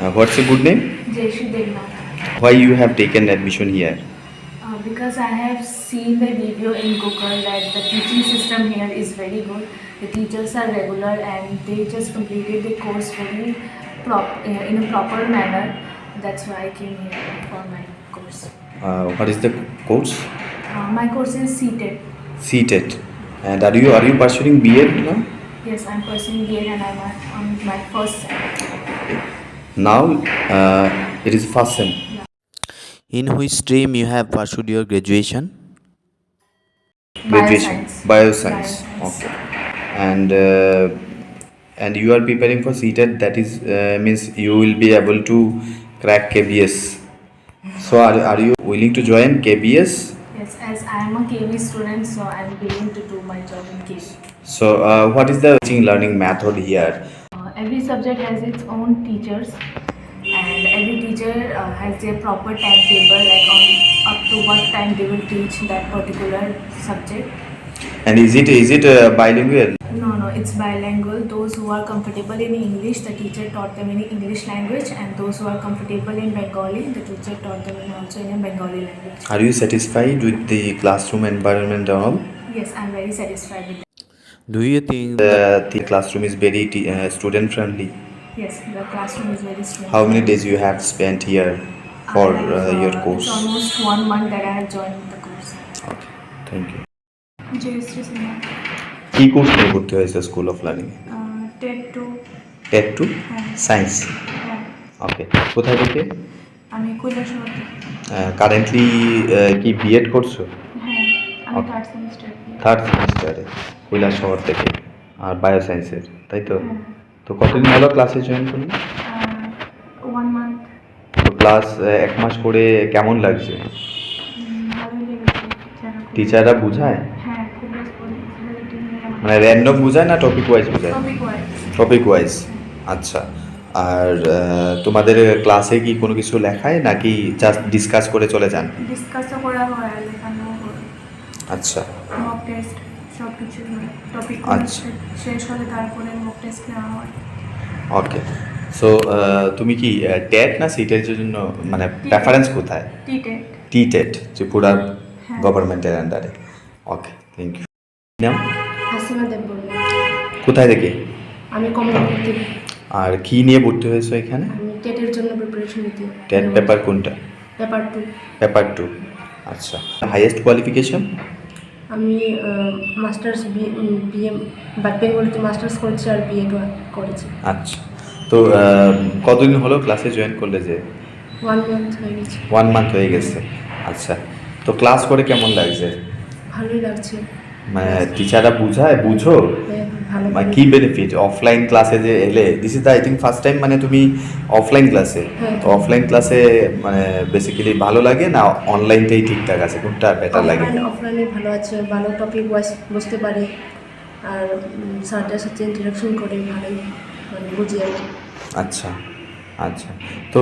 What's your good name? Jayashree Devnath. Why you have taken admission here? Because I have seen the video in Google that the teaching system here is very good. The teachers are regular and they just completed the course very in a proper manner. That's why I came here for my course. What is the course? My course is CTET. CTET. And are you pursuing B.Ed now? Yes, I'm pursuing BEd and I'm on my first sem. Now it is first sem. In which stream you have pursued your graduation? Graduation. Bioscience. Bioscience. Okay. And you are preparing for CTET. That is means you will be able to crack KBS. So are you willing to join KBS? Yes, as I am a KV student, so I'm willing to do my job in KV. So what is the teaching learning method here? Every subject has its own teachers, and every teacher has their proper timetable, like on up to what time they will teach that particular subject. And is it bilingual? No, it's bilingual. Those who are comfortable in English, the teacher taught them in English language, and those who are comfortable in Bengali, the teacher taught them also in a Bengali language. Are you satisfied with the classroom environment and all? Yes, I'm very satisfied with that. Do you think The classroom is very student friendly. Yes, the classroom is very strong. How many days you have spent here for your course? It's almost 1 month that I have joined the course. Okay, thank you. Jayashree Sinha. কি course নিয়ে ভর্তি হয়েছে school of learning? TET 2. TET two হ্যাঁ। Science. হ্যাঁ, okay, কোথায় থেকে? আমি কৈলাসহর থেকে। কারেন্টলি কি বিএড করছো? হ্যাঁ, আমি Okay. 3rd semester. থার্ড সেমিস্টারে কৈলাসহর থেকে, আর বায়োসায়েন্সের, তাই তো? হ্যাঁ। তো কতদিন হলো ক্লাসে জয়েন করলে? 1 month। তো ক্লাস 1 মাস করে কেমন লাগছে? ভালোই লেগেছে। টিচাররা বুঝায়? হ্যাঁ, খুব রেসপন্সিবিলিটি নিয়ে মানে র্যান্ডম বুঝায় না টপিক ওয়াইজ বুঝায়? Topic wise. Topic wise. আচ্ছা। আর তোমাদের ক্লাসে কি কোনো কিছু লেখায় নাকি জাস্ট ডিসকাস করে চলে যান? ডিসকাসও করা হয় আর লেখানো হয়। আচ্ছা। মক টেস্ট সব কিছু টপিক আচ্ছা। শেষ হলে তারপরে মক টেস্ট নেওয়া হয়। ওকে। সো তুমি কি টেট না সিটের জন্য মানে প্রেফারেন্স কোথায়? টিটেট। টেট ত্রিপুরা হ্যাঁ। গভর্নমেন্টের আন্ডারে। Okay, thank you. নাম? হাসিনা দেববর্মা। কোথায় থেকে? আমি কমলাপুর থেকে। আর কি নিয়ে ভর্তি হয়েছো এখানে? আমি টেটের জন্য প্রিপারেশন নিতে। টেট পেপার কোনটা? পেপার 2। পেপার 2। আচ্ছা। Highest qualification? আমি মাস্টার্স বিএ বেঙ্গলিতে মাস্টার্স করেছি আর বিএড করেছি। আচ্ছা। তো কতদিন হলো ক্লাসে জয়েন করলে যে? 1 month হয়ে গেছে। 1 মান্থ হয়ে গেছে। আচ্ছা। তো ক্লাস করে কেমন লাগছে? ভালোই লাগছে। মানে টিচাররা বুঝায়, বুঝো? হ্যাঁ, ভালো। মানে কি বেনিফিট অফলাইন ক্লাসে যে এলে? This is the I think first time মানে তুমি অফলাইন ক্লাসে। হ্যাঁ। তো অফলাইন ক্লাসে মানে বেসিক্যালি ভালো লাগে না অনলাইনটাই ঠিকঠাক আছে? কোনটা বেটার লাগে? অফলাইনে ভালো আছে, ভালো টপিক ওয়াইজ বুঝতে পারে আর স্যারদের সাথে ইন্টারাকশন করে ভালোই মানে বুঝি আর কি। আচ্ছা আচ্ছা। তো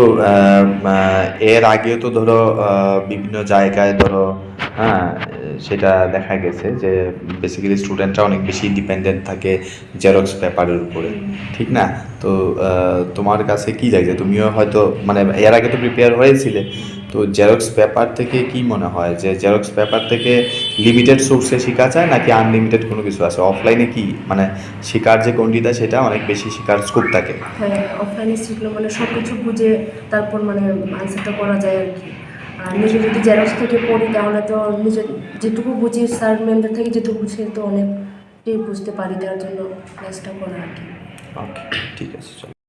এর আগেও তো ধরো বিভিন্ন জায়গায় ধরো, হ্যাঁ, সেটা দেখা গেছে যে বেসিক্যালি স্টুডেন্টরা অনেক বেশি ডিপেন্ডেন্ট থাকে জেরক্স পেপারের উপরে, ঠিক না? তো তোমার কাছে কি লাগছে? তুমিও হয়তো মানে এর আগে তো প্রিপেয়ার হয়েছিলে, তো জেরক্স পেপার থেকে কি মনে হয় যে জেরক্স পেপার থেকে লিমিটেড সোর্সে শেখা যায় নাকি আনলিমিটেড কোনো কিছু আছে? অফলাইনে কি মানে শেখার যে গণ্ডিতা সেটা অনেক বেশি শেখার স্কোপ থাকে? হ্যাঁ, অফলাইনে শিখলে মানে সব কিছু বুঝে তারপর মানে আনসারটা করা যায় আর কি। আর নিজে যদি জেরক্স থেকে পড়ি তাহলে তো নিজে যেটুকু বুঝি স্যার ম্যামদের থেকে যেটুকু বুঝি তো অনেকটাই বুঝতে পারি, তার জন্য ক্লাসটা করা আর কি। ওকে, ঠিক আছে, চলো।